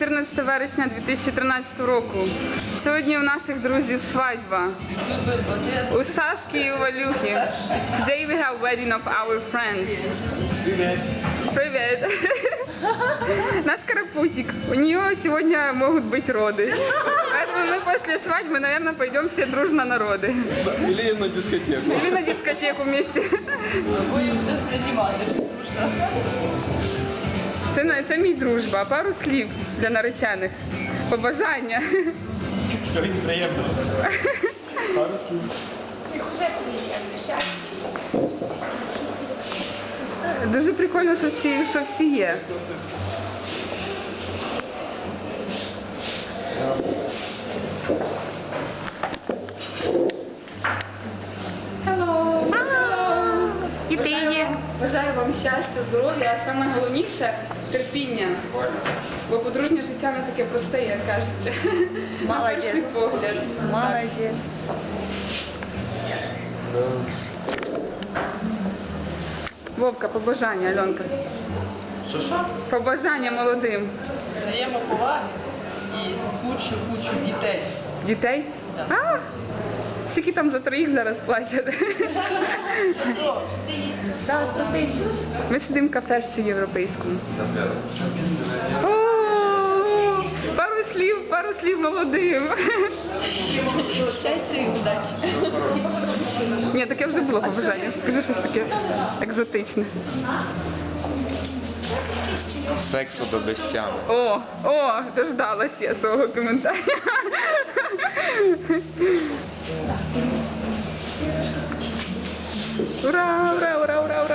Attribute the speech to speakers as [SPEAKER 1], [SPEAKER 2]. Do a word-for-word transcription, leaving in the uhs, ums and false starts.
[SPEAKER 1] чотирнадцяте вересня дві тисячі тринадцятого року. Сьогодні у наших друзів свадьба. У Сашки і у Валюхи. Today we have wedding of our friends.
[SPEAKER 2] Привет.
[SPEAKER 1] Привет. Наш карапузик. У нее сегодня могут быть роды. Поэтому мы после свадьбы, наверное, пойдем все дружно на роды.
[SPEAKER 2] Или на дискотеку.
[SPEAKER 1] Или на дискотеку вместе. Це, це мій дружба. А пару слів для наречених. Побажання.
[SPEAKER 2] Сьогодні приємно. Пару слів.
[SPEAKER 1] Дуже прикольно, що всі, що всі є. Hello. Hello. І ти є. Бажаю вам щастя, здоров'я, а саме головніше – терпіння. Бо подружнє життя не таке просте, як кажеться. На перший погляд.
[SPEAKER 3] Молодець.
[SPEAKER 1] Вовка, побажання, Альонка.
[SPEAKER 2] Що що?
[SPEAKER 1] Побажання молодим.
[SPEAKER 3] Взаємоповаги і кучу-кучу дітей.
[SPEAKER 1] Дітей? А, скільки там за троїх зараз платять? Ми сидимо в кафешці європейському. О, пару слів, пару слів молодим.
[SPEAKER 3] Щастя і удачі.
[SPEAKER 1] Ні, таке вже було побажання. Скажи щось таке екзотичне.
[SPEAKER 2] Сексу до безтями.
[SPEAKER 1] О, о, дождалась я свого коментаря. Ура, ура, ура, ура, ура.